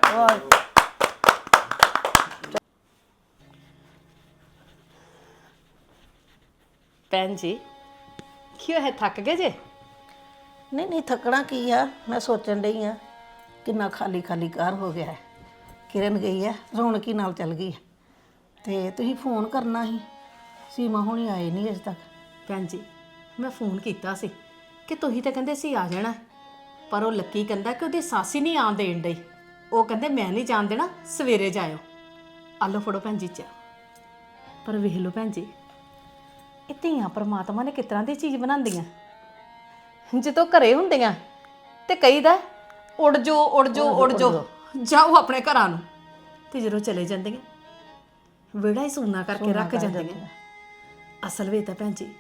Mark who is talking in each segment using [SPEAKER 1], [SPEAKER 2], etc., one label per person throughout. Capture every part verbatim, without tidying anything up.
[SPEAKER 1] ਭੈਣ ਜੀ ਕੀ ਹੋਇਆ, ਥੱਕ ਗਏ ਜੇ?
[SPEAKER 2] ਨਹੀਂ ਨਹੀਂ ਥੱਕਣਾ ਕੀ ਆ, ਮੈਂ ਸੋਚਣ ਡਈ ਆ ਕਿੰਨਾ ਖਾਲੀ ਖਾਲੀ ਘਰ ਹੋ ਗਿਆ ਹੈ। ਕਿਰਨ ਗਈ ਹੈ, ਰੌਣਕੀ ਨਾਲ ਚੱਲ ਗਈ ਹੈ ਤੇ ਤੁਸੀਂ ਫੋਨ ਕਰਨਾ ਸੀ, ਸੀਮਾ ਹੁਣੀ ਆਏ ਨਹੀਂ ਅਜੇ ਤੱਕ।
[SPEAKER 1] ਭੈਣ ਜੀ ਮੈਂ ਫੋਨ ਕੀਤਾ ਸੀ ਕਿ ਤੁਸੀਂ ਤਾਂ ਕਹਿੰਦੇ ਸੀ ਆ ਜਾਣਾ, ਪਰ ਉਹ ਲੱਕੀ ਕਹਿੰਦਾ ਕਿ ਉਹਦੀ ਸੱਸ ਹੀ ਨਹੀਂ ਆਉਣ ਦੇਣ ਡਈ। ਉਹ ਕਹਿੰਦੇ ਮੈਂ ਨਹੀਂ ਜਾਣ ਦੇਣਾ, ਸਵੇਰੇ ਜਾਇਓ। ਆ ਲਓ ਫੜੋ ਭੈਣ ਜੀ ਚਾਹ। ਪਰ ਵੇਖ ਲਓ ਭੈਣ ਜੀ, ਇਹ ਧੀਆਂ ਪਰਮਾਤਮਾ ਨੇ ਕਿਸ ਤਰ੍ਹਾਂ ਦੀ ਚੀਜ਼ ਬਣਾਉਂਦੀਆਂ। ਜਦੋਂ ਘਰੇ ਹੁੰਦੀਆਂ ਤੇ ਕਹੀਦਾ ਉੜ ਜੋ ਉੜ ਜੋ ਉੜ ਜੋ ਜਾਓ ਆਪਣੇ ਘਰਾਂ ਨੂੰ, ਤੇ ਜਦੋਂ ਚਲੇ ਜਾਂਦੀਆਂ ਵਿਹੜਾ ਹੀ ਸੂਨਾ ਕਰਕੇ ਰੱਖ ਜਾਂਦੀਆਂ। ਅਸਲ ਵਿੱਚ ਤਾਂ ਭੈਣ ਜੀ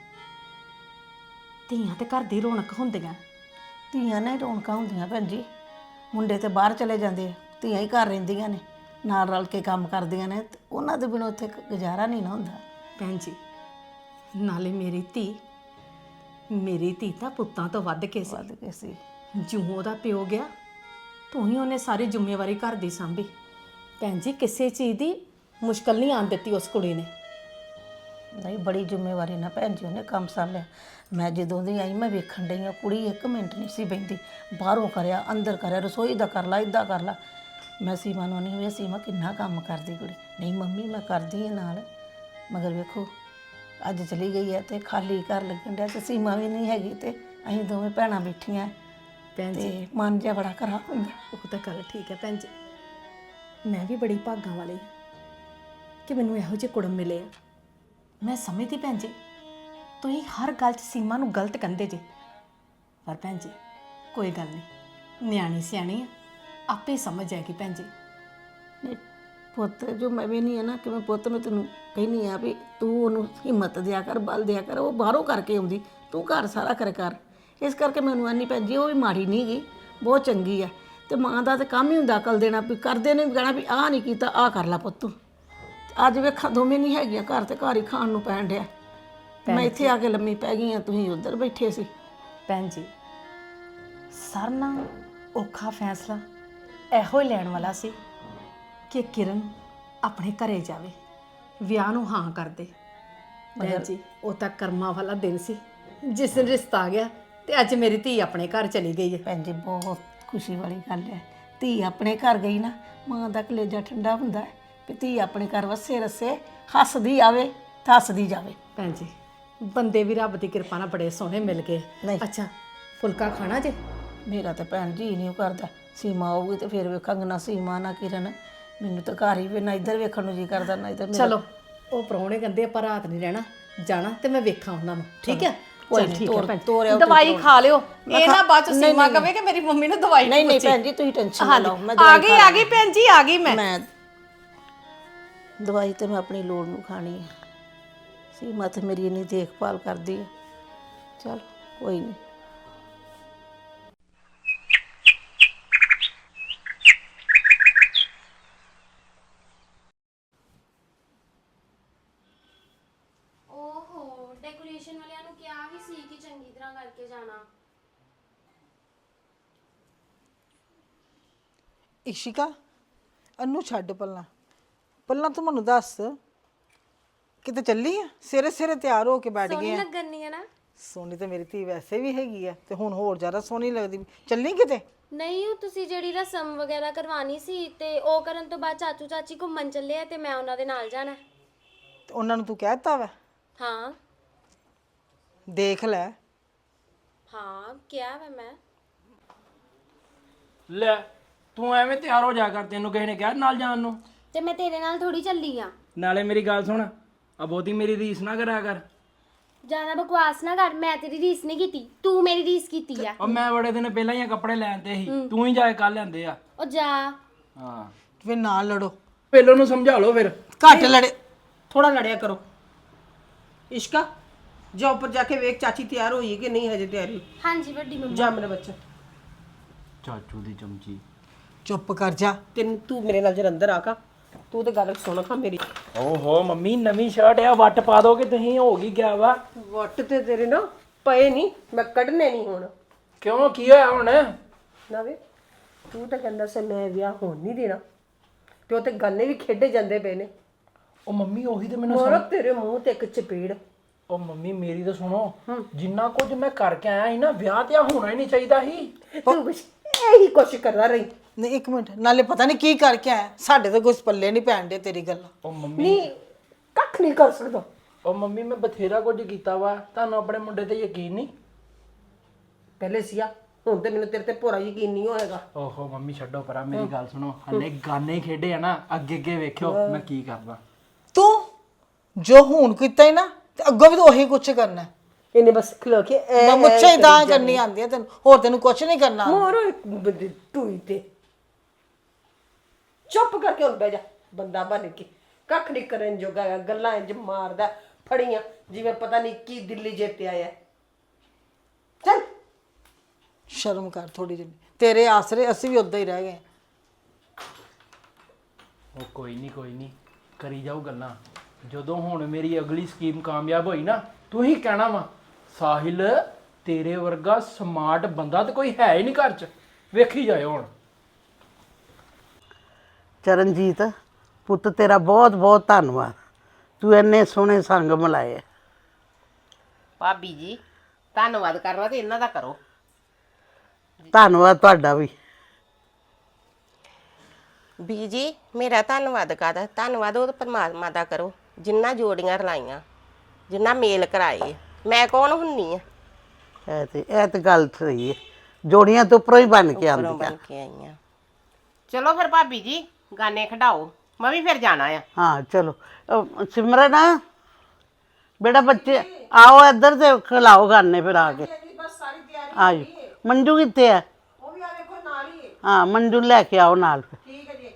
[SPEAKER 1] ਧੀਆਂ ਤੇ ਘਰ ਦੀ ਰੌਣਕ ਹੁੰਦੀਆਂ।
[SPEAKER 2] ਧੀਆਂ ਨੇ ਰੌਣਕਾਂ ਹੁੰਦੀਆਂ ਭੈਣ ਜੀ, ਮੁੰਡੇ ਤੇ ਬਾਹਰ ਚਲੇ ਜਾਂਦੇ ਆ, ਧੀਆਂ ਹੀ ਘਰ ਰਹਿੰਦੀਆਂ ਨੇ, ਨਾਲ ਰਲ ਕੇ ਕੰਮ ਕਰਦੀਆਂ ਨੇ, ਤੇ ਉਹਨਾਂ ਦੇ ਬਿਨਾਂ ਉੱਥੇ ਗੁਜ਼ਾਰਾ ਨਹੀਂ ਨਾ ਹੁੰਦਾ।
[SPEAKER 1] ਭੈਣ ਜੀ ਨਾਲੇ ਮੇਰੀ ਧੀ ਮੇਰੀ ਧੀ ਤਾਂ ਪੁੱਤਾਂ ਤੋਂ ਵੱਧ ਕੇ ਸੀ।
[SPEAKER 2] ਵੱਧ ਕੇ ਸੀ।
[SPEAKER 1] ਜਿਉਂ ਉਹਦਾ ਪਿਓ ਗਿਆ ਤੂੰ ਹੀ ਉਹਨੇ ਸਾਰੀ ਜ਼ਿੰਮੇਵਾਰੀ ਘਰ ਦੀ ਸਾਂਭੀ। ਭੈਣ ਜੀ ਕਿਸੇ ਚੀਜ਼ ਦੀ ਮੁਸ਼ਕਲ ਨਹੀਂ ਆਉਣ ਦਿੱਤੀ ਉਸ ਕੁੜੀ ਨੇ।
[SPEAKER 2] ਨਹੀਂ ਬੜੀ ਜ਼ਿੰਮੇਵਾਰੀ ਨਾਲ ਭੈਣ ਜੀ ਉਹਨੇ ਕੰਮ ਸੰਭਿਆ। ਮੈਂ ਜਦੋਂ ਦੀ ਆਈ ਮੈਂ ਵੇਖਣ ਡਈ ਹਾਂ, ਕੁੜੀ ਇੱਕ ਮਿੰਟ ਨਹੀਂ ਸੀ ਬਹਿੰਦੀ, ਬਾਹਰੋਂ ਕਰਿਆ ਅੰਦਰ ਕਰਿਆ, ਰਸੋਈ ਦਾ ਕਰ ਲਾ, ਇੱਦਾਂ ਕਰ ਲਾ। ਮੈਂ ਸੀਮਾ ਨੂੰ ਨਹੀਂ ਵੇ ਸੀਮਾ ਕਿੰਨਾ ਕੰਮ ਕਰਦੀ ਕੁੜੀ। ਨਹੀਂ ਮੰਮੀ ਮੈਂ ਕਰਦੀ ਹਾਂ ਨਾਲ, ਮਗਰ ਵੇਖੋ ਅੱਜ ਚਲੀ ਗਈ ਹੈ ਤੇ ਖਾਲੀ ਘਰ ਲੱਗਣ ਡਿਆ, ਤੇ ਸੀਮਾ ਵੀ ਨਹੀਂ ਹੈਗੀ ਤੇ ਅਸੀਂ ਦੋਵੇਂ ਭੈਣਾਂ ਬੈਠੀਆਂ
[SPEAKER 1] ਭੈਣ ਜੀ
[SPEAKER 2] ਤੇ ਮਨ ਜਿਹਾ ਬੜਾ ਖਰਾਬ ਹੁੰਦਾ।
[SPEAKER 1] ਉਹ ਤਾਂ ਗੱਲ ਠੀਕ ਹੈ ਭੈਣ ਜੀ, ਮੈਂ ਵੀ ਬੜੀ ਭਾਗਾਂ ਵਾਲੀ ਕਿ ਮੈਨੂੰ ਇਹੋ ਜਿਹੇ ਕੁੜਮ ਮਿਲੇ ਆ। ਮੈਂ ਸਮਝਦੀ ਭੈਣ ਜੀ ਤੁਸੀਂ ਹਰ ਗੱਲ 'ਚ ਸੀਮਾ ਨੂੰ ਗਲਤ ਕਹਿੰਦੇ ਜੇ, ਪਰ ਭੈਣ ਜੀ ਕੋਈ ਗੱਲ ਨਹੀਂ, ਨਿਆਣੀ ਸਿਆਣੀ ਆ, ਆਪੇ ਸਮਝ ਜਾਏਗੀ ਭੈਣ ਜੀ।
[SPEAKER 2] ਨਹੀਂ ਪੁੱਤ ਜੋ ਮੈਂ ਵੀ ਨਹੀਂ ਹੈ ਨਾ ਕਿ ਮੈਂ ਪੁੱਤ ਮੈਂ ਤੈਨੂੰ ਕਹਿੰਦੀ ਆ ਵੀ ਤੂੰ ਉਹਨੂੰ ਹਿੰਮਤ ਦਿਆ ਕਰ, ਬਲ ਦਿਆ ਕਰ, ਉਹ ਬਾਹਰੋਂ ਕਰਕੇ ਆਉਂਦੀ, ਤੂੰ ਘਰ ਸਾਰਾ ਕਰ ਕਰ। ਇਸ ਕਰਕੇ ਮੈਨੂੰ ਆਨੀ ਭੈਣ ਜੀ ਉਹ ਵੀ ਮਾੜੀ ਨਹੀਂ ਗਈ, ਬਹੁਤ ਚੰਗੀ ਆ। ਤੇ ਮਾਂ ਦਾ ਤਾਂ ਕੰਮ ਹੀ ਹੁੰਦਾ ਅਕਲ ਦੇਣਾ, ਵੀ ਕਰਦੇ ਨੇ ਕਹਿਣਾ ਵੀ ਆਹ ਨਹੀਂ ਕੀਤਾ ਆਹ ਕਰ ਲਾ ਪੁੱਤ ਤੂੰ। ਅੱਜ ਵੇਖਾਂ ਦੋਵੇਂ ਨਹੀਂ ਹੈਗੀਆਂ ਘਰ, ਤੇ ਘਰ ਹੀ ਖਾਣ ਨੂੰ ਪੈਣ ਡਿਆ। ਮੈਂ ਇੱਥੇ ਆ ਕੇ ਲੰਮੀ ਪੈ ਗਈ ਆ, ਤੁਸੀਂ ਉੱਧਰ ਬੈਠੇ ਸੀ।
[SPEAKER 1] ਭੈਣ ਜੀ ਸਾਰਿਆਂ ਨਾਲੋਂ ਔਖਾ ਫੈਸਲਾ ਇਹੋ ਹੀ ਲੈਣ ਵਾਲਾ ਸੀ ਕਿ ਕਿਰਨ ਆਪਣੇ ਘਰੇ ਜਾਵੇ, ਵਿਆਹ ਨੂੰ ਹਾਂ ਕਰ ਦੇ। ਭੈਣ ਜੀ ਉਹ ਤਾਂ ਕਰਮਾਂ ਵਾਲਾ ਦਿਨ ਸੀ ਜਿਸ ਦਿਨ ਰਿਸ਼ਤਾ ਆ ਗਿਆ ਤੇ ਅੱਜ ਮੇਰੀ ਧੀ ਆਪਣੇ ਘਰ ਚਲੀ ਗਈ ਹੈ।
[SPEAKER 2] ਭੈਣ ਜੀ ਬਹੁਤ ਖੁਸ਼ੀ ਵਾਲੀ ਗੱਲ ਹੈ, ਧੀ ਆਪਣੇ ਘਰ ਗਈ ਨਾ, ਮਾਂ ਦਾ ਕਲੇਜਾ ਠੰਡਾ ਹੁੰਦਾ ਹੈ ਵੀ ਧੀ ਆਪਣੇ ਘਰ ਵਸੇ ਰਸੇ ਹੱਸਦੀ ਆਵੇ ਤੇ ਹੱਸਦੀ ਜਾਵੇ।
[SPEAKER 1] ਭੈਣ ਜੀ ਬੰਦੇ ਵੀ ਰੱਬ ਦੀ ਕਿਰਪਾ ਨਾਲ ਬੜੇ ਸੋਹਣੇ ਮਿਲ ਗਏ। ਅੱਛਾ ਫੁਲਕਾ ਖਾਣਾ ਜੇ?
[SPEAKER 2] ਮੇਰਾ ਤਾਂ ਭੈਣ ਜੀ ਨਹੀਂ ਕਰਦਾ, ਸੀਮਾ ਆਊਗੀ ਤੇ ਫਿਰ ਵੇਖਾਂਗੇ ਨਾ ਸੀਮਾ ਨਾ ਕਿਰਨ। ਮੈਨੂੰ ਤਾਂ ਘਰ ਹੀ ਵੀ ਨਾ ਇੱਧਰ ਵੇਖਣ ਨੂੰ ਜੀ ਕਰਦਾ ਨਾ ਇੱਧਰ।
[SPEAKER 1] ਚਲੋ ਉਹ ਪ੍ਰਾਹੁਣੇ ਕਹਿੰਦੇ ਆਪਾਂ ਰਾਤ ਨਹੀਂ ਰਹਿਣਾ, ਜਾਣਾ ਤੇ ਮੈਂ ਵੇਖਾਂ ਉਹਨਾਂ ਨੂੰ, ਠੀਕ ਹੈ?
[SPEAKER 2] ਕੋਈ
[SPEAKER 1] ਠੀਕ
[SPEAKER 2] ਨਹੀਂ,
[SPEAKER 1] ਹੈ ਭੈਣ,
[SPEAKER 2] ਤੋਰਿਆ
[SPEAKER 1] ਦਵਾਈ ਖਾ ਲਿਓ, ਇਹ ਨਾ ਬਾਅਦ ਚ ਸੀਮਾ ਕਵੇ ਕਿ ਮੇਰੀ ਮੰਮੀ ਨੂੰ ਦਵਾਈ
[SPEAKER 2] ਨਹੀਂ ਨਹੀਂ ਭੈਣ ਜੀ ਤੁਸੀਂ ਟੈਨਸ਼ਨ ਨਾ ਲਓ। ਮੈਂ
[SPEAKER 1] ਆ ਗਈ ਆ ਗਈ ਭੈਣ ਜੀ ਆ ਗਈ। ਮੈਂ
[SPEAKER 2] ਮੈਂ ਦਵਾਈ ਤੇ ਮੈਂ ਆਪਣੀ ਲੋੜ ਨੂੰ ਖਾਣੀ ਹੈ, ਸੀਮਾ ਤੇ ਮੇਰੀ ਇੰਨੀ ਦੇਖਭਾਲ ਕਰਦੀ ਹੈ। ਚਲ ਕੋਈ ਨਹੀਂ।
[SPEAKER 3] ਓਹੋ ਡੈਕੋਰੇਸ਼ਨ ਵਾਲਿਆਂ ਨੂੰ ਕਿਹਾ ਵੀ ਸੀ ਕਿ ਚੰਗੀ ਤਰ੍ਹਾਂ ਕਰਕੇ ਜਾਣਾ।
[SPEAKER 4] ਇਸ਼ਿਕਾ ਅਨੂੰ ਛੱਡ ਪੱਲਾ ਪੱਲਾ, ਤੂੰ ਮੈਨੂੰ ਦੱਸ ਕਿਤੇ ਚੱਲੀ ਆ? ਸਵੇਰੇ ਸਵੇਰੇ ਤਿਆਰ ਹੋ ਕੇ ਬੈਠ ਗਈ ਆ।
[SPEAKER 3] ਸੋਹਣੀ ਲੱਗਣੀ ਹੈ ਨਾ?
[SPEAKER 4] ਸੋਹਣੀ ਤਾਂ ਮੇਰੀ ਧੀ ਵੈਸੇ ਵੀ ਹੈਗੀ ਆ, ਤੇ ਹੁਣ ਹੋਰ ਜ਼ਿਆਦਾ ਸੋਹਣੀ ਲੱਗਦੀ। ਚੱਲੀ ਕਿਤੇ?
[SPEAKER 3] ਨਹੀਂ ਉਹ ਤੁਸੀਂ ਜਿਹੜੀ ਰਸਮ ਵਗੈਰਾ ਕਰਵਾਣੀ ਸੀ ਤੇ ਉਹ ਕਰਨ ਤੋਂ ਬਾਅਦ ਚਾਚੂ ਚਾਚੀ ਘੁੰਮਣ ਚੱਲੇ ਆ ਤੇ ਮੈਂ ਉਹਨਾਂ ਦੇ ਨਾਲ ਜਾਣਾ।
[SPEAKER 4] ਤੇ ਉਹਨਾਂ ਨੂੰ ਤੂੰ ਕਹਿ ਦਿੱਤਾ ਵਾ?
[SPEAKER 3] ਹਾਂ
[SPEAKER 4] ਦੇਖ ਲੈ।
[SPEAKER 3] ਹਾਂ ਕਿਹਾ ਵਾ ਮੈਂ।
[SPEAKER 5] ਲੈ ਤੂੰ ਐਵੇਂ ਤਿਆਰ ਹੋ ਜਾ ਕਰ, ਤੈਨੂੰ ਕਿਸੇ ਨੇ ਕਿਹਾ ਨਾਲ ਜਾਣ ਨੂੰ?
[SPEAKER 3] ਤੇ ਮੈਂ ਤੇਰੇ ਨਾਲ ਥੋੜੀ ਚੱਲੀ ਆ।
[SPEAKER 5] ਨਾਲੇ ਮੇਰੀ ਗੱਲ ਸੁਣ, ਆ ਬਹੁਤੀ ਮੇਰੀ ਰੀਸ ਨਾ ਕਰਿਆ ਕਰ।
[SPEAKER 3] ਜ਼ਿਆਦਾ ਬਕਵਾਸ ਨਾ ਕਰ, ਮੈਂ ਤੇਰੀ ਰੀਸ ਨਹੀਂ ਕੀਤੀ, ਤੂੰ ਮੇਰੀ ਰੀਸ ਕੀਤੀ ਆ।
[SPEAKER 5] ਉਹ ਮੈਂ ਬੜੇ ਦਿਨ ਪਹਿਲਾਂ ਹੀ ਕੱਪੜੇ ਲੈਣ ਤੇ ਸੀ, ਤੂੰ ਹੀ ਜਾ ਕੇ ਕੱਲ ਲੈਂਦੇ ਆ।
[SPEAKER 3] ਉਹ ਜਾ।
[SPEAKER 5] ਹਾਂ
[SPEAKER 4] ਫਿਰ ਨਾਲ ਲੜੋ,
[SPEAKER 5] ਪਹਿਲੋਂ ਨੂੰ ਸਮਝਾ ਲਓ ਫਿਰ।
[SPEAKER 4] ਘੱਟ ਲੜੇ,
[SPEAKER 6] ਥੋੜਾ ਲੜਿਆ ਕਰੋ। ਇਸ਼ਕਾ ਜਾ ਉੱਪਰ ਜਾ ਕੇ ਵੇਖ ਚਾਚੀ ਤਿਆਰ ਹੋਈ ਕਿ ਨਹੀਂ ਹਜੇ ਤਿਆਰੀ।
[SPEAKER 3] ਹਾਂਜੀ ਵੱਡੀ ਮੰਮੀ।
[SPEAKER 6] ਜਾ ਮੇਰੇ ਬੱਚਾ,
[SPEAKER 5] ਚਾਚੂ ਦੀ ਚਮਚੀ।
[SPEAKER 4] ਚੁੱਪ ਕਰ ਜਾ।
[SPEAKER 6] ਤੈਨੂੰ ਤੂੰ ਮੇਰੇ ਨਾਲ ਜਰ ਅੰਦਰ ਆ ਕਾ, ਤੂੰ ਤੇ ਗੱਲ ਸੁਣ ਖਾ ਮੇਰੀ।
[SPEAKER 5] ਓਹੋ ਮੰਮੀ ਨਵੀਂ ਸ਼ਰਟ ਆ, ਵੱਟ ਪਾ ਦੋਗੇ ਤੁਸੀਂ? ਹੋ ਗਈ ਗਿਆ ਵਾ।
[SPEAKER 6] ਵੱਟ ਤੇ ਤੇਰੇ ਨਾ ਪਏ ਨਹੀਂ, ਮੈਂ ਕੱਢਨੇ ਨਹੀਂ ਹੁਣ।
[SPEAKER 5] ਕਿਉਂ ਕੀ ਹੋਇਆ ਹੁਣ?
[SPEAKER 6] ਨਾ ਵੇ ਤੂੰ ਤਾਂ ਕਹਿੰਦਾ ਸੀ ਮੈਂ ਵਿਆਹ ਹੋਣ ਨਹੀਂ ਦੇਣਾ ਤੇ ਉਹ ਤੇ ਗਾਨੇ ਵੀ ਖੇਡੇ ਜਾਂਦੇ ਪਏ ਨੇ।
[SPEAKER 5] ਉਹ ਮੰਮੀ ਉਹੀ ਤੇ ਮੈਨੂੰ
[SPEAKER 6] ਮੋਰ ਤੇਰੇ ਮੂੰਹ ਤੇ ਇੱਕ ਚਪੇੜ।
[SPEAKER 5] ਉਹ ਮੰਮੀ ਮੇਰੀ ਤਾਂ ਸੁਣੋ, ਜਿੰਨਾ ਕੁਝ ਮੈਂ ਕਰਕੇ ਆਇਆ ਸੀ ਨਾ, ਵਿਆਹ ਤੇ ਆ ਹੋਣਾ ਹੀ ਨਹੀਂ ਚਾਹੀਦਾ ਸੀ।
[SPEAKER 6] ਤੂੰ ਬਸ ਇਹੀ ਕੁਛ ਕਰਦਾ ਰਹੀ।
[SPEAKER 4] ਨਹੀਂ ਇੱਕ ਮਿੰਟ, ਨਾਲੇ ਪਤਾ ਨਹੀਂ ਕੀ ਕਰਕੇ ਆਇਆ, ਸਾਡੇ ਤਾਂ ਕੁਝ ਪੱਲੇ ਨਹੀਂ ਪੈਣ ਦੇ ਤੇਰੀ ਗੱਲ।
[SPEAKER 5] ਉਹ ਮੰਮੀ
[SPEAKER 6] ਨਹੀਂ ਕੱਖ ਨਹੀਂ ਕਰ ਸਕਦਾ।
[SPEAKER 5] ਉਹ ਮੰਮੀ ਮੈਂ ਬਥੇਰਾ ਕੁਝ ਕੀਤਾ ਵਾ, ਤੁਹਾਨੂੰ ਆਪਣੇ ਮੁੰਡੇ ਤੇ ਯਕੀਨ ਨਹੀਂ?
[SPEAKER 6] ਪਹਿਲੇ ਸੀਆ, ਹੁਣ ਤੇ ਮੈਨੂੰ ਤੇਰੇ ਤੇ ਪੂਰਾ ਯਕੀਨ ਨਹੀਂ ਹੋਏਗਾ।
[SPEAKER 5] ਓਹੋ ਮੰਮੀ ਛੱਡੋ ਪਰਾਂ, ਮੇਰੀ ਗੱਲ ਸੁਣੋ, ਹਲੇ ਗਾਨੇ ਖੇਡੇ ਆ ਨਾ, ਅੱਗੇ ਅੱਗੇ ਵੇਖਿਓ ਮੈਂ ਕੀ ਕਰਦਾ।
[SPEAKER 4] ਤੂੰ ਜੋ ਹੁਣ ਕੀਤਾ ਹੀ ਨਾ, ਤੇ ਅੱਗੋਂ ਵੀ ਤਾਂ ਉਹੀ ਕੁਛ ਕਰਨਾ ਹੈ।
[SPEAKER 6] ਇਹਨੇ ਬਸ ਖਲੋ ਕੇ
[SPEAKER 4] ਮੈਂ ਮੁੱਛਾਂ ਹੀ ਤਾਂ ਕਰਨੀ ਆਉਂਦੀ ਹੈ ਤੈਨੂੰ, ਹੋਰ ਤੈਨੂੰ ਕੁਝ ਨਹੀਂ ਕਰਨਾ ਆਉਂਦਾ।
[SPEAKER 6] ਮੋਰ ਇੱਕ ਬੰਦੇ ਟੂਈ ਤੇ ਚੁੱਪ ਕਰਕੇ ਹੁਣ ਬਹਿ ਜਾ, ਬੰਦਾ ਬਣ ਕੇ ਕੱਖ ਨਹੀਂ ਕਰਨ ਜੋਗਾ ਹੈਗਾ, ਗੱਲਾਂ ਇੰਜ ਮਾਰਦਾ ਫੜੀਆਂ ਜਿਵੇਂ ਪਤਾ ਨਹੀਂ ਕੀ ਦਿੱਲੀ ਜਿੱਤ ਆਇਆ। ਚੱਲ
[SPEAKER 4] ਸ਼ਰਮ ਕਰ ਥੋੜੀ ਜਿਹੀ, ਤੇਰੇ ਆਸਰੇ ਅਸੀਂ ਵੀ ਉਦਾਂ ਹੀ ਰਹਿ ਗਏ।
[SPEAKER 5] ਉਹ ਕੋਈ ਨਹੀਂ ਕੋਈ ਨਹੀਂ, ਕਰੀ ਜਾਓ ਗੱਲਾਂ। ਜਦੋਂ ਹੁਣ ਮੇਰੀ ਅਗਲੀ ਸਕੀਮ ਕਾਮਯਾਬ ਹੋਈ ਨਾ, ਤੂੰ ਹੀ ਕਹਿਣਾ ਵਾ ਸਾਹਿਲ ਤੇਰੇ ਵਰਗਾ ਸਮਾਰਟ ਬੰਦਾ ਤੇ ਕੋਈ ਹੈ ਹੀ ਨਹੀਂ ਘਰ 'ਚ, ਵੇਖੀ ਜਾਇਓ ਹੁਣ।
[SPEAKER 7] ਚਰਨਜੀਤ ਪੁੱਤ ਤੇਰਾ ਬਹੁਤ ਬਹੁਤ ਧੰਨਵਾਦ, ਤੂੰ ਇੰਨੇ ਸੋਹਣੇ ਸੰਗ ਮਿਲਾਏ।
[SPEAKER 8] ਭਾਬੀ ਜੀ ਧੰਨਵਾਦ ਕਰਨਾ ਤੇ ਇਹਨਾਂ ਦਾ ਕਰੋ।
[SPEAKER 7] ਧੰਨਵਾਦ ਤੁਹਾਡਾ ਵੀ।
[SPEAKER 8] ਬੀਜੀ ਮੇਰਾ ਧੰਨਵਾਦ ਕਾਹਦਾ, ਧੰਨਵਾਦ ਉਹ ਪਰਮਾਤਮਾ ਦਾ ਕਰੋ ਜਿੰਨਾ ਜੋੜੀਆਂ ਰਲਾਈਆਂ, ਜਿੰਨਾ ਮੇਲ ਕਰਾਏ। ਮੈਂ ਕੌਣ ਹੁੰਨੀ ਆ?
[SPEAKER 7] ਇਹ ਤੇ ਇਹ ਤੇ ਗੱਲ ਸਹੀ ਹੈ, ਜੋੜੀਆਂ ਤੋਂ ਉੱਪਰੋਂ ਹੀ ਬਣ ਕੇ
[SPEAKER 8] ਉੱਪਰੋਂ
[SPEAKER 7] ਆਉਂਦੀਆਂ।
[SPEAKER 8] ਬਣ ਕੇ ਆਈਆਂ। ਚਲੋ ਫਿਰ ਭਾਬੀ ਜੀ ਗਾਨੇ ਖਿਡਾਓ, ਮੈਂ ਵੀ ਫਿਰ ਜਾਣਾ ਆ।
[SPEAKER 7] ਹਾਂ ਚਲੋ। ਅਹ ਸਿਮਰਨ ਬੇਟਾ ਬੱਚੇ ਆਓ ਇੱਧਰ ਤੇ ਖਿਲਾਓ ਗਾਨੇ ਫਿਰ ਆ ਕੇ। ਆਜੋ। ਮੰਜੂ ਕਿੱਥੇ ਹੈ?
[SPEAKER 6] ਉਹ ਵੀ ਆ ਵੇਖੋ ਨਾਲ ਹੀ।
[SPEAKER 7] ਹਾਂ ਮੰਜੂ ਲੈ ਕੇ ਆਓ ਨਾਲ ਫਿਰ।
[SPEAKER 6] ਠੀਕ ਹੈ ਜੀ।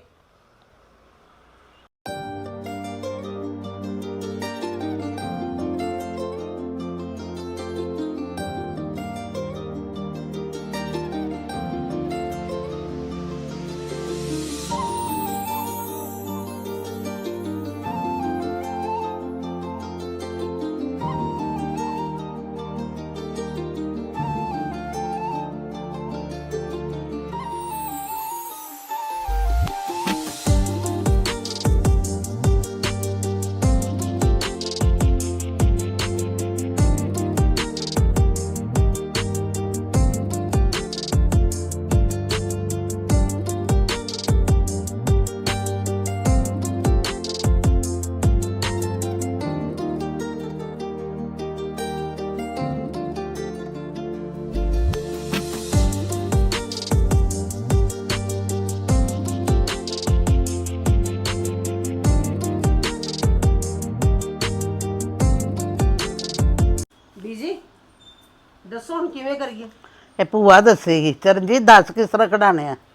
[SPEAKER 6] ਬੀਜੀ ਦੱਸੋ ਹੁਣ ਕਿਵੇਂ ਕਰੀਏ?
[SPEAKER 7] ਇਹ ਭੂਆ ਦੱਸੇਗੀ। ਚਰਨਜੀਤ ਦੱਸ ਕਿਸ ਤਰ੍ਹਾਂ ਕਢਾਣੇ ਆ?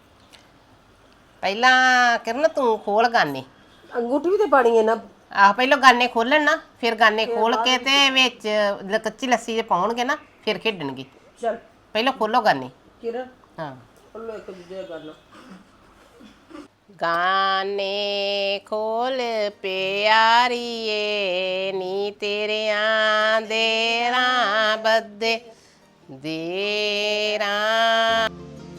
[SPEAKER 8] ਪਹਿਲਾਂ ਕਿਰਨ ਤੂੰ ਖੋਲ ਗਾਨੇ।
[SPEAKER 6] ਅੰਗੂਠੀ ਵੀ ਤੇ ਪਾਣੀ ਹੈ ਨਾ।
[SPEAKER 8] ਆਹ ਪਹਿਲਾਂ ਗਾਨੇ ਖੋਲਣ ਨਾ, ਫਿਰ ਗਾਨੇ ਖੋਲ ਕੇ ਤੇ ਵਿੱਚ ਲ- ਕੱਚੀ ਲੱਸੀ ਜੇ ਪਾਉਣਗੇ ਨਾ, ਫਿਰ ਖੇਡਣਗੇ।
[SPEAKER 6] ਚੱਲ
[SPEAKER 8] ਪਹਿਲਾਂ ਖੋਲੋ ਗਾਨੇ।
[SPEAKER 6] ਕਿਰਨ
[SPEAKER 8] ਹਾਂ
[SPEAKER 6] ਉਹਨੂੰ ਇੱਕ ਦੂਜੇ ਦਾ ਗੱਲ।
[SPEAKER 8] ਗਾਨੇ ਖੋਲ ਪਿਆਰੀਏ ਨੀ ਤੇਰਿਆਂ ਦੇਰਾਂ ਬੱਦੇ ਦੇਰਾਂ।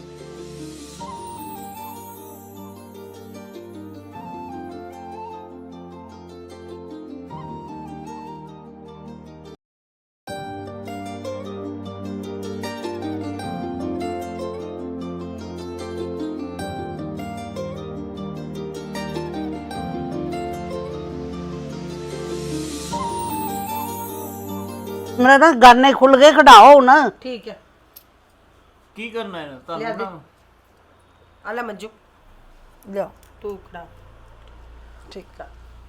[SPEAKER 7] ਮੇਰਾ ਨਾ ਗਾਨੇ ਖੁੱਲ ਗਏ, ਕਢਾਓ ਨਾ।
[SPEAKER 6] ਠੀਕ ਹੈ।
[SPEAKER 5] ਕੀ ਕਰਨਾ ਹੈ
[SPEAKER 6] ਲਿਆ ਦੇ। ਆ ਲੈ ਮੰਜੂ
[SPEAKER 4] ਲਿਆ
[SPEAKER 6] ਤੂੰ ਖੜਾ।
[SPEAKER 4] ਠੀਕ ਆ।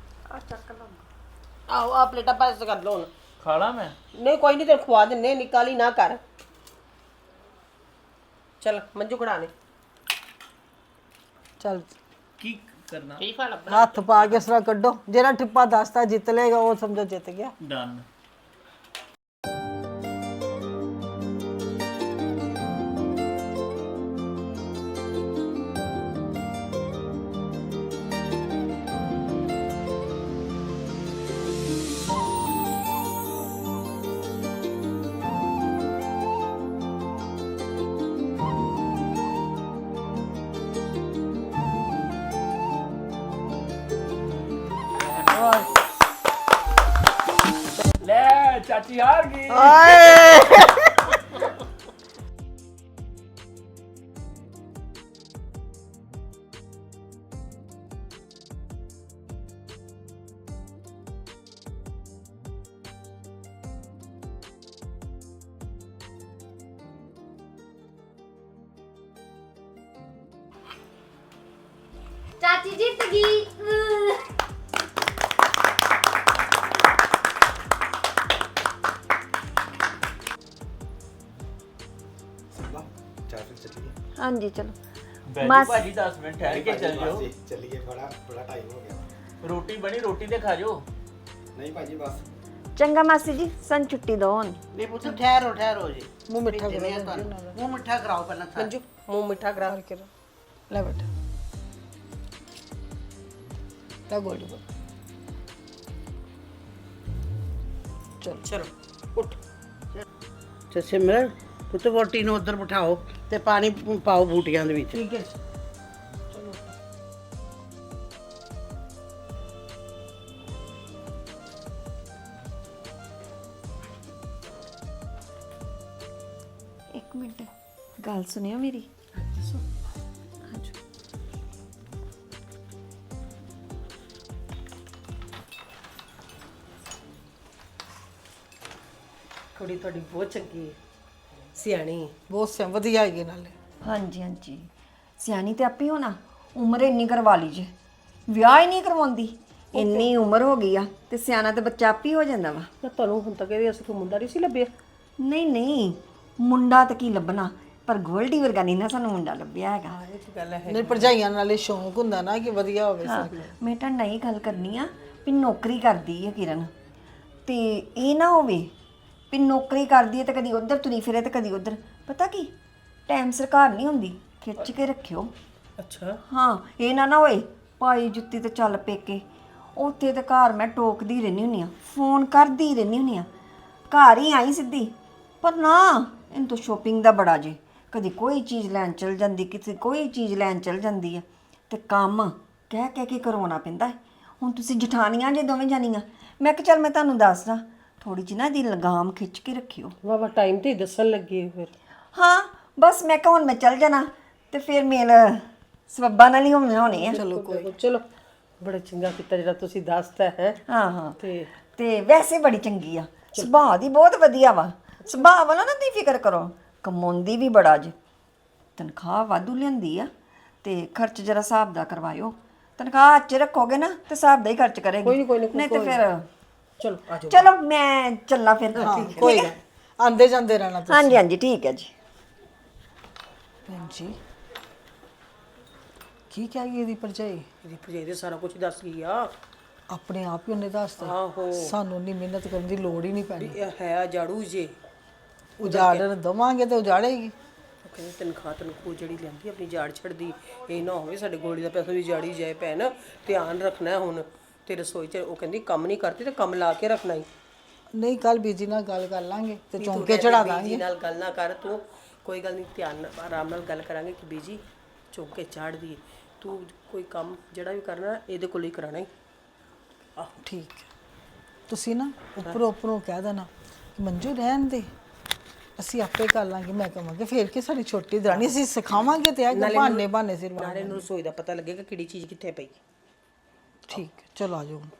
[SPEAKER 6] ਆਓ ਆ ਪਲੇਟਾਂ ਪਾਸ ਕਰ ਲਓ ਹੁਣ।
[SPEAKER 5] ਖਾਣਾ ਮੈਂ?
[SPEAKER 6] ਨਹੀਂ ਕੋਈ ਨਹੀਂ, ਤੈਨੂੰ ਖਵਾ ਦਿੰਨੇ, ਨਿਕਾਲੀ ਨਾ ਕਰ। ਚਲ ਮੰਜੂ ਖੜਾ ਲੈ।
[SPEAKER 4] ਚੱਲ
[SPEAKER 5] ਕੀ ਕਰਨਾ?
[SPEAKER 8] ਫੀਫਾ ਲੱਭ
[SPEAKER 4] ਹੱਥ ਪਾ ਕੇ ਇਸ ਤਰ੍ਹਾਂ ਕੱਢੋ, ਜਿਹੜਾ ਠਿੱਪਾ ਦੱਸਦਾ ਜਿੱਤ ਲੇਗਾ ਉਹ ਸਮਝੋ ਜਿੱਤ ਗਿਆ।
[SPEAKER 5] ਡਨ। ਚਾਚੀ ਹਾਰ ਗਈ
[SPEAKER 3] ਚਾਚੀ ਜਿੱਤ ਗਈ
[SPEAKER 2] ਹਾਂਜੀ ਚਲੋ
[SPEAKER 9] ਬੈਠੋ ਭਾਜੀ ਦਸ ਮਿੰਟ ਠਹਿਰ ਕੇ ਚੱਲ ਜਾਓ
[SPEAKER 10] ਚੱਲੀਏ ਬੜਾ ਬੜਾ ਟਾਈਮ ਹੋ ਗਿਆ
[SPEAKER 9] ਰੋਟੀ ਬਣੀ ਰੋਟੀ ਤੇ ਖਾ ਜਾਓ
[SPEAKER 10] ਨਹੀਂ ਭਾਜੀ ਬਸ
[SPEAKER 2] ਚੰਗਾ ਮਾਸੀ ਜੀ ਸਾਨੂੰ ਛੁੱਟੀ ਦਿਓ ਹੁਣ
[SPEAKER 7] ਨਹੀਂ ਪੁੱਤ ਠਹਿਰੋ ਠਹਿਰੋ ਜੀ
[SPEAKER 4] ਮੂੰਹ ਮਿੱਠਾ
[SPEAKER 7] ਭੇਜਣੇ ਆ ਤੁਹਾਨੂੰ। ਮੂੰਹ ਮਿੱਠਾ ਕਰਾਓ ਪਹਿਲਾਂ ਸਾਰਾ।
[SPEAKER 6] ਮੰਜੂ ਮੂੰਹ ਮਿੱਠਾ ਕਰਾ
[SPEAKER 4] ਕਰਕੇ ਲੈ ਬੇਟਾ ਲੈ ਗੋਲਡੀ ਬੋਲ ਚਲ
[SPEAKER 6] ਚਲੋ ਉੱਠ
[SPEAKER 7] ਤੇ ਸਿਮਰਨ ਪੁੱਤ ਵੋਟੀ ਨੂੰ ਉੱਧਰ ਬਿਠਾਓ ਤੇ ਪਾਣੀ ਪਾਓ ਬੂਟੀਆਂ ਦੇ ਵਿੱਚ
[SPEAKER 4] ਠੀਕ ਹੈ
[SPEAKER 2] ਇੱਕ ਮਿੰਟ ਗੱਲ ਸੁਣਿਓ ਮੇਰੀ
[SPEAKER 6] ਕੁੜੀ ਤੁਹਾਡੀ ਬਹੁਤ ਚੰਗੀ ਹੈ ਸਿਆਣੀ ਹੈ।
[SPEAKER 4] ਬਹੁਤ ਸਿਆ ਵਧੀਆ ਹੈਗੀ ਨਾਲੇ
[SPEAKER 11] ਹਾਂਜੀ ਹਾਂਜੀ ਸਿਆਣੀ ਤੇ ਆਪੇ ਹੋਣਾ ਉਮਰ ਇੰਨੀ ਕਰਵਾ ਲਈ ਜੇ ਵਿਆਹ ਹੀ ਨਹੀਂ ਕਰਵਾਉਂਦੀ ਇੰਨੀ ਉਮਰ ਹੋ ਗਈ ਆ ਤੇ ਸਿਆਣਾ ਤੇ ਬੱਚਾ ਆਪੇ ਹੋ ਜਾਂਦਾ ਵਾ
[SPEAKER 6] ਨਾ ਤੁਹਾਨੂੰ ਹੁਣ ਤੱਕ ਇਹਦੇ ਅਸੀਂ ਕੋਈ ਮੁੰਡਾ ਨਹੀਂ ਸੀ ਲੱਭਿਆ
[SPEAKER 11] ਨਹੀਂ ਨਹੀਂ ਮੁੰਡਾ ਤਾਂ ਕੀ ਲੱਭਣਾ ਪਰ ਗੋਲਡੀ ਵਰਗਾ ਨਹੀਂ ਨਾ ਸਾਨੂੰ ਮੁੰਡਾ ਲੱਭਿਆ ਹੈਗਾ
[SPEAKER 6] ਇਹ ਤਾਂ ਗੱਲ ਹੈ
[SPEAKER 4] ਨਹੀਂ ਭਰਜਾਈਆਂ ਨਾਲੇ ਸ਼ੌਂਕ ਹੁੰਦਾ ਨਾ ਕਿ ਵਧੀਆ ਹੋਵੇ
[SPEAKER 11] ਹਾਂ
[SPEAKER 4] ਸਰ
[SPEAKER 11] ਮੈਂ ਤਾਂ ਨਹੀਂ ਗੱਲ ਕਰਨੀ ਆ ਵੀ ਨੌਕਰੀ ਕਰਦੀ ਹੈ ਕਿਰਨ ਤੇ ਇਹ ਨਾ ਹੋਵੇ ਵੀ ਨੌਕਰੀ ਕਰਦੀ ਹੈ ਤੇ ਕਦੀ ਉੱਧਰ ਤੁਰੀ ਫਿਰੇ ਤੇ ਕਦੀ ਉੱਧਰ ਪਤਾ ਕੀ ਟਾਈਮ ਸਰਕਾਰ ਨਹੀਂ ਹੁੰਦੀ ਖਿੱਚ ਕੇ ਰੱਖਿਓ
[SPEAKER 6] ਅੱਛਾ
[SPEAKER 11] ਹਾਂ ਇਹ ਨਾ ਨਾ ਹੋਏ ਪਾਈ ਜੁੱਤੀ ਤੇ ਚੱਲ ਪੇਕੇ ਉੱਥੇ ਤੇ ਘਰ ਮੈਂ ਟੋਕਦੀ ਰਹਿੰਦੀ ਹੁੰਦੀ ਆ ਫੋਨ ਕਰਦੀ ਰਹਿੰਦੀ ਹੁੰਦੀ ਆ ਘਰ ਹੀ ਆਈ ਸਿੱਧੀ ਪਰ ਨਾ ਇਹਨੂੰ ਤਾਂ ਸ਼ੋਪਿੰਗ ਦਾ ਬੜਾ ਜੇ ਕਦੀ ਕੋਈ ਚੀਜ਼ ਲੈਣ ਚਲ ਜਾਂਦੀ ਕਿਸੇ ਕੋਈ ਚੀਜ਼ ਲੈਣ ਚਲ ਜਾਂਦੀ ਆ ਤੇ ਕੰਮ ਕਹਿ ਕਹਿ ਕੇ ਕਰਵਾਉਣਾ ਪੈਂਦਾ ਹੈ। ਹੁਣ ਤੁਸੀਂ ਜਠਾਣੀਆਂ ਜੇ ਦੋਵੇਂ ਜਾਨੀਆਂ ਮੈਂ ਕਿ ਚੱਲ ਮੈਂ ਤੁਹਾਨੂੰ ਦੱਸਦਾ ਥੋੜੀ ਜਿਹੀ ਨਾ ਦੀ ਲਗਾਮ ਖਿੱਚ ਕੇ ਰੱਖਿਓ
[SPEAKER 6] ਵਾਵਾ ਟਾਈਮ ਤੇ ਹੀ ਦੱਸਣ ਲੱਗੀ ਫਿਰ
[SPEAKER 11] ਹਾਂ ਬਸ ਮੈਂ ਕਿਹਾ ਹੁਣ ਮੈਂ ਚੱਲ ਜਾਣਾ ਤੇ ਫਿਰ ਮੇਲ ਸਬੱਬਾ ਨਾਲ ਹੀ ਹੋਣੇ ਹੋਣੇ ਆ
[SPEAKER 6] ਚਲੋ ਕੋਈ ਚਲੋ ਬੜਾ ਚੰਗਾ ਕੀਤਾ ਜਿਹੜਾ ਤੁਸੀਂ ਦੱਸਤਾ ਹੈ
[SPEAKER 11] ਹਾਂ ਹਾਂ
[SPEAKER 6] ਤੇ
[SPEAKER 11] ਤੇ ਵੈਸੇ ਬੜੀ ਚੰਗੀ ਆ ਸੁਭਾਅ ਦੀ ਬਹੁਤ ਵਧੀਆ ਵਾ ਸੁਭਾਅ ਵਾਲਾ ਨਾ ਦੀ ਫਿਕਰ ਕਰੋ ਕਮਾਉਂਦੀ ਵੀ ਬੜਾ ਜੀ ਤਨਖਾਹ ਵਾਧੂ ਲੈਂਦੀ ਆ ਤੇ ਖਰਚ ਜਰਾ ਹਿਸਾਬ ਦਾ ਕਰਵਾਇਓ ਤਨਖਾਹ ਅੱਛੇ ਰੱਖੋਗੇ ਨਾ ਤੇ ਹਿਸਾਬ ਦਾ ਹੀ ਖਰਚ ਕਰੇਗੀ
[SPEAKER 6] ਕੋਈ ਨੀ, ਕੋਈ ਨੀ,
[SPEAKER 11] ਨਹੀਂ ਤੇ ਫਿਰ
[SPEAKER 6] ਚਲੋ ਆ ਜਾਓ
[SPEAKER 11] ਚਲੋ ਮੈਂ ਚੱਲਾਂ ਫਿਰ ਠੀਕ
[SPEAKER 4] ਕੋਈ
[SPEAKER 11] ਹੈ
[SPEAKER 4] ਗੱਲ ਆਂਦੇ ਜਾਂਦੇ ਰਹਿਣਾ ਤੁਸੀਂ
[SPEAKER 11] ਹਾਂਜੀ ਹਾਂਜੀ ਠੀਕ ਹੈ ਜੀ
[SPEAKER 4] ਭੈਣ ਜੀ ਕੀ ਕਹਿ ਗਈ ਇਹਦੀ ਭਰਜਾਈ
[SPEAKER 6] ਇਹਦੀ ਭਜਾਈ ਦੇ ਸਾਰਾ ਕੁਝ ਦੱਸ ਗਈ ਆ
[SPEAKER 4] ਆਪਣੇ ਆਪ ਹੀ ਉਹਨੇ ਦੱਸਤਾ
[SPEAKER 6] ਆਹੋ
[SPEAKER 4] ਸਾਨੂੰ ਇੰਨੀ ਮਿਹਨਤ ਕਰਨ ਦੀ ਲੋੜ ਹੀ ਨਹੀਂ ਪੈਣੀ
[SPEAKER 6] ਇਹ ਹੈ ਜਾੜੂ ਜੇ
[SPEAKER 4] ਉਜਾੜਨ ਦਵਾਂਗੇ ਤੇ ਉਜਾੜੇਗੀ
[SPEAKER 6] ਉਹ ਕਹਿੰਦੀ ਤਨਖਾਹ ਤਨਖੂ ਜਿਹੜੀ ਲੈਂਦੀ ਆਪਣੀ ਜਾੜ ਛੱਡਦੀ ਇਹ ਨਾ ਹੋਵੇ ਸਾਡੇ ਗੋਲੀ ਦਾ ਪੈਸਾ ਵੀ ਜਾੜੀ ਜਾਏ ਭੈਣ ਧਿਆਨ ਰੱਖਣਾ ਹੁਣ ਤੇ ਰਸੋਈ 'ਚ ਉਹ ਕਹਿੰਦੀ ਕੰਮ ਨਹੀਂ ਕਰਦੀ ਤੇ ਕੰਮ ਲਾ ਕੇ ਰੱਖਣਾ ਹੀ
[SPEAKER 4] ਨਹੀਂ ਕੱਲ ਬੀਜੀ ਨਾਲ ਗੱਲ ਕਰ ਲਾਂਗੇ ਤੇ ਚੌਂਕੇ ਚੜਾ ਦਾਂਗੇ
[SPEAKER 6] ਬੀਜੀ ਨਾਲ ਗੱਲ ਨਾ ਕਰ ਤੂੰ ਕੋਈ ਗੱਲ ਨਹੀਂ ਧਿਆਨ ਨਾਲ ਆਰਾਮ ਨਾਲ ਗੱਲ ਕਰਾਂਗੇ ਕਿ ਬੀਜੀ ਚੌਂਕੇ ਚਾੜ ਦੀ ਤੂੰ ਕੋਈ ਕੰਮ ਜਿਹੜਾ ਵੀ ਕਰਨਾ ਇਹਦੇ ਕੋਲ ਹੀ ਕਰਾਣਾ ਹੀ
[SPEAKER 4] ਠੀਕ ਹੈ ਤੁਸੀਂ ਨਾ ਉੱਪਰੋਂ ਉੱਪਰੋਂ ਕਹਿ ਦੇਣਾ ਕਿ ਮੰਜੂ ਰਹਿਣ ਦੇ ਅਸੀਂ ਆਪੇ ਕਰ ਲਾਂਗੇ ਮੈਂ ਕਹਾਂਗੇ ਫੇਰ ਕਿ ਸਾਡੀ ਛੋਟੀ ਦਰਾਣੀ ਅਸੀਂ ਸਿਖਾਵਾਂਗੇ ਤੇ ਆ ਬਹਾਨੇ ਬਹਾਨੇ ਸਿਰ
[SPEAKER 6] ਨਾਲੇ ਨੂੰ ਰਸੋਈ ਦਾ ਪਤਾ ਲੱਗੇਗਾ ਕਿਹੜੀ ਚੀਜ਼ ਕਿੱਥੇ ਪਈ
[SPEAKER 4] ਠੀਕ ਹੈ ਚਲੋ ਆ ਜਾਓ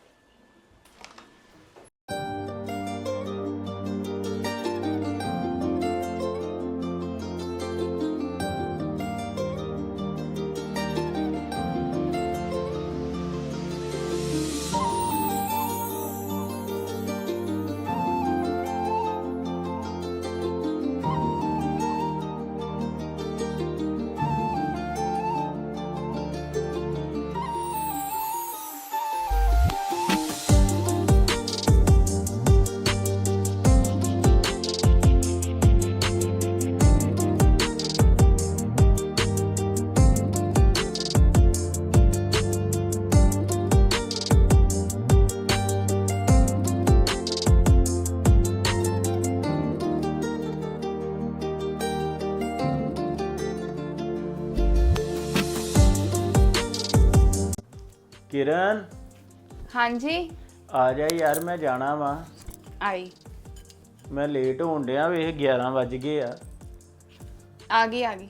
[SPEAKER 9] ਕਿਰਨ
[SPEAKER 12] ਹਾਂਜੀ
[SPEAKER 9] ਆ ਜਾ ਯਾਰ ਮੈਂ ਜਾਣਾ ਵਾ
[SPEAKER 12] ਆਈ
[SPEAKER 9] ਮੈਂ ਲੇਟ ਹੋਣ ਡਿਆ ਵੇਖ ਗਿਆਰਾਂ ਵੱਜ ਗਏ ਆ।
[SPEAKER 12] ਆ ਗਈ ਆ ਗਈ।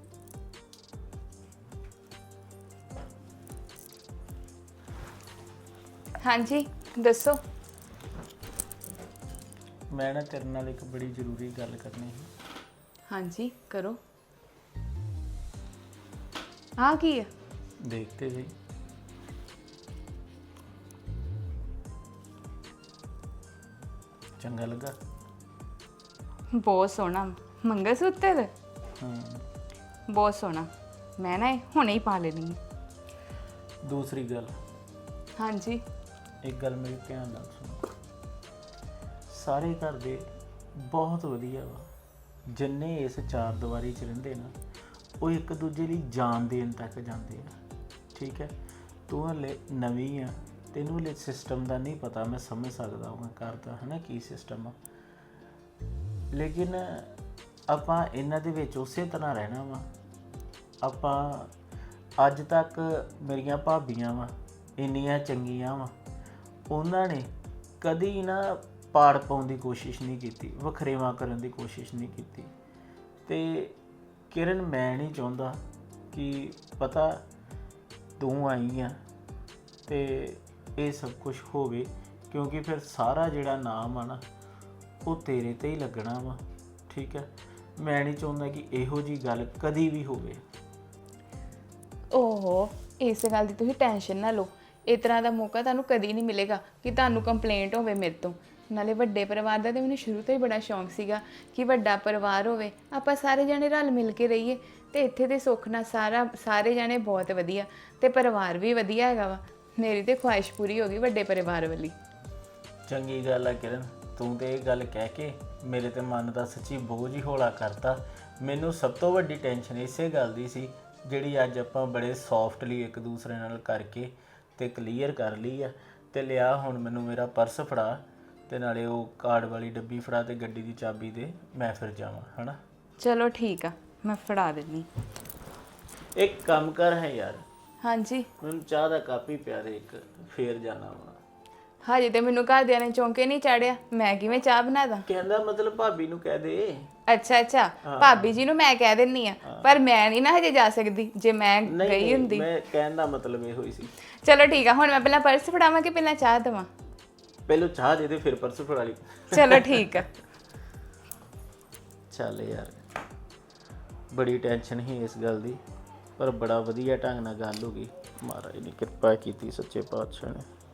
[SPEAKER 12] ਹਾਂਜੀ ਦੱਸੋ।
[SPEAKER 9] ਮੈਂ ਨਾ ਤੇਰੇ ਨਾਲ ਇੱਕ ਬੜੀ ਜ਼ਰੂਰੀ ਗੱਲ ਕਰਨੀ ਸੀ।
[SPEAKER 12] ਹਾਂਜੀ ਕਰੋ। ਆ ਕੀ ਹੈ?
[SPEAKER 9] ਦੇਖਤੇ ਸਹੀ। ਚੰਗਾ ਲੱਗਾ?
[SPEAKER 12] ਬਹੁਤ ਸੋਹਣਾ ਮੰਗਲ ਸੂਤਰ।
[SPEAKER 9] ਹਾਂ।
[SPEAKER 12] ਬਹੁਤ ਸੋਹਣਾ। ਮੈਂ ਨਾ ਇਹ ਹੁਣੇ ਹੀ ਪਾ ਲੈਣੀ ਹੈ।
[SPEAKER 9] ਦੂਸਰੀ ਗੱਲ,
[SPEAKER 12] ਹਾਂਜੀ
[SPEAKER 9] ਇੱਕ ਗੱਲ ਮੇਰੀ ਧਿਆਨ ਨਾਲ ਸੁਣੋ। ਸਾਰੇ ਘਰ ਦੇ ਬਹੁਤ ਵਧੀਆ ਵਾ, ਜਿੰਨੇ ਇਸ ਚਾਰ ਦੀਵਾਰੀ 'ਚ ਰਹਿੰਦੇ ਨਾ ਉਹ ਇੱਕ ਦੂਜੇ ਲਈ ਜਾਨ ਦੇਣ ਤੱਕ ਜਾਂਦੇ ਆ। ਠੀਕ ਹੈ, ਤੂੰ ਹਲੇ ਨਵੀਂ ਆ, ਤੈਨੂੰ ਹਲੇ ਸਿਸਟਮ ਦਾ ਨਹੀਂ ਪਤਾ। ਮੈਂ ਸਮਝ ਸਕਦਾ ਹਾਂ ਘਰ ਦਾ ਹੈ ਨਾ ਕੀ ਸਿਸਟਮ ਆ, ਲੇਕਿਨ ਆਪਾਂ ਇਹਨਾਂ ਦੇ ਵਿੱਚ ਉਸੇ ਤਰ੍ਹਾਂ ਰਹਿਣਾ ਵਾ। ਆਪਾਂ ਅੱਜ ਤੱਕ ਮੇਰੀਆਂ ਭਾਬੀਆਂ ਵਾ ਇੰਨੀਆਂ ਚੰਗੀਆਂ ਵਾ, ਉਹਨਾਂ ਨੇ ਕਦੀ ਨਾ ਪਾੜ ਪਾਉਣ ਦੀ ਕੋਸ਼ਿਸ਼ ਨਹੀਂ ਕੀਤੀ, ਵਖਰੇਵਾਂ ਕਰਨ ਦੀ ਕੋਸ਼ਿਸ਼ ਨਹੀਂ ਕੀਤੀ। ਤੇ ਕਿਰਨ ਮੈਂ ਨਹੀਂ ਚਾਹੁੰਦਾ ਕਿ ਪਤਾ ਤੂੰ ਆਈ ਆ ਤੇ ਇਹ ਸਭ ਕੁਝ ਹੋਵੇ, ਕਿਉਂਕਿ ਫਿਰ ਸਾਰਾ ਜਿਹੜਾ ਨਾਮ ਆ ਨਾ ਉਹ ਤੇਰੇ ਤੇ ਹੀ ਲੱਗਣਾ ਵਾ। ਠੀਕ ਹੈ, ਮੈਂ ਨਹੀਂ ਚਾਹੁੰਦਾ ਕਿ ਇਹੋ ਜੀ ਗੱਲ ਕਦੀ ਵੀ ਹੋਵੇ।
[SPEAKER 12] ਓਹੋ, ਇਸ ਗੱਲ ਦੀ ਤੁਸੀਂ ਟੈਨਸ਼ਨ ਨਾ ਲਓ। ਇਸ ਤਰ੍ਹਾਂ ਦਾ ਮੌਕਾ ਤੁਹਾਨੂੰ ਕਦੀ ਨਹੀਂ ਮਿਲੇਗਾ ਕਿ ਤੁਹਾਨੂੰ ਕੰਪਲੇਂਟ ਹੋਵੇ ਮੇਰੇ ਤੋਂ। ਨਾਲੇ ਵੱਡੇ ਪਰਿਵਾਰ ਦਾ ਤੇ ਮੈਨੂੰ ਸ਼ੁਰੂ ਤੋਂ ਹੀ ਬੜਾ ਸ਼ੌਂਕ ਸੀਗਾ ਕਿ ਵੱਡਾ ਪਰਿਵਾਰ ਹੋਵੇ, ਆਪਾਂ ਸਾਰੇ ਜਣੇ ਰਲ ਮਿਲ ਕੇ ਰਹੀਏ। ਤੇ ਇੱਥੇ ਦੇ ਸੁੱਖ ਨਾਲ ਸਾਰਾ ਸਾਰੇ ਜਣੇ ਬਹੁਤ ਵਧੀਆ ਤੇ ਪਰਿਵਾਰ ਵੀ ਵਧੀਆ ਹੈਗਾ ਵਾ। ਮੇਰੀ ਤੇ ਖੁਆਇਸ਼ ਪੂਰੀ ਹੋ ਗਈ ਵੱਡੇ ਪਰਿਵਾਰ ਵਾਲੀ।
[SPEAKER 9] ਚੰਗੀ ਗੱਲ ਆ ਕਿਰਨ, ਤੂੰ ਤੇ ਇਹ ਗੱਲ ਕਹਿ ਕੇ ਮੇਰੇ ਤੇ ਮਨ ਦਾ ਸੱਚੀ ਬੋਝ ਹੀ ਹੌਲਾ ਕਰਤਾ। ਮੈਨੂੰ ਸਭ ਤੋਂ ਵੱਡੀ ਟੈਨਸ਼ਨ ਇਸੇ ਗੱਲ ਦੀ ਸੀ ਜਿਹੜੀ ਅੱਜ ਆਪਾਂ ਬੜੇ ਸੌਫਟਲੀ ਇੱਕ ਦੂਸਰੇ ਨਾਲ ਕਰਕੇ ਤੇ ਕਲੀਅਰ ਕਰ ਲਈ ਆ। ਤੇ ਲਿਆ ਹੁਣ ਮੈਨੂੰ ਮੇਰਾ ਪਰਸ ਫੜਾ ਤੇ ਨਾਲੇ ਉਹ ਕਾਰਡ ਵਾਲੀ ਡੱਬੀ ਫੜਾ ਤੇ ਗੱਡੀ ਦੀ ਚਾਬੀ ਦੇ, ਮੈਂ ਫਿਰ ਜਾਵਾਂ ਹਨਾ।
[SPEAKER 12] ਚਲੋ ਠੀਕ ਆ, ਮੈਂ ਫੜਾ ਦਿੰਦੀ।
[SPEAKER 9] ਇੱਕ ਕੰਮ ਕਰ ਹੈ ਯਾਰ।
[SPEAKER 12] ਹਾਂਜੀ
[SPEAKER 9] ਮੈਨੂੰ ਚਾਹ ਦਾ ਕੱਪ ਹੀ ਪਿਆ ਦੇ ਇੱਕ, ਫੇਰ ਜਾਣਾ ਵਾ।
[SPEAKER 12] ਹਜੇ ਤੇ ਮੈਨੂੰ ਘਰਦਿਆਂ ਨੇ ਚੌਂਕੇ ਨਹੀਂ ਚਾੜਿਆ, ਮੈਂ ਕਿਵੇਂ ਚਾਹ ਬਣਾ ਦਾਂ?
[SPEAKER 9] ਕਹਿੰਦਾ ਮਤਲਬ ਭਾਬੀ ਨੂੰ ਕਹਿ ਦੇ।
[SPEAKER 12] ਅੱਛਾ ਅੱਛਾ, ਭਾਬੀ ਜੀ ਨੂੰ ਮੈਂ ਕਹਿ ਦਿੰਨੀ ਆ, ਪਰ ਮੈਂ ਨਹੀਂ ਨਾ ਹਜੇ ਜਾ ਸਕਦੀ। ਜੇ ਮੈਂ ਗਈ ਹੁੰਦੀ।
[SPEAKER 9] ਮੈਂ ਕਹਿਣ ਦਾ ਮਤਲਬ ਇਹੋ ਹੀ ਸੀ।
[SPEAKER 12] ਚਲੋ ਠੀਕ ਆ, ਹੁਣ ਮੈਂ ਪਹਿਲਾਂ ਪਰਸ ਫੜਾਵਾਂ ਕਿ ਪਹਿਲਾਂ ਚਾਹ ਦੇਵਾਂ?
[SPEAKER 9] ਪਹਿਲਾਂ ਚਾਹ ਦੇ ਦੇ ਫਿਰ ਪਰਸ ਫੜਾ ਲਈ।
[SPEAKER 12] ਚਲੋ ਠੀਕ ਆ।
[SPEAKER 9] ਚੱਲ ਯਾਰ, ਬੜੀ ਟੈਨਸ਼ਨ ਸੀ ਇਸ ਗੱਲ ਦੀ, ਪਰ ਬੜਾ ਵਧੀਆ ਢੰਗ ਨਾਲ ਗੱਲ ਹੋ ਗਈ। ਮਹਾਰਾਜ ਨੇ ਕਿਰਪਾ ਕੀਤੀ, ਸੱਚੇ ਪਾਤਸ਼ਾਹ ਨੇ।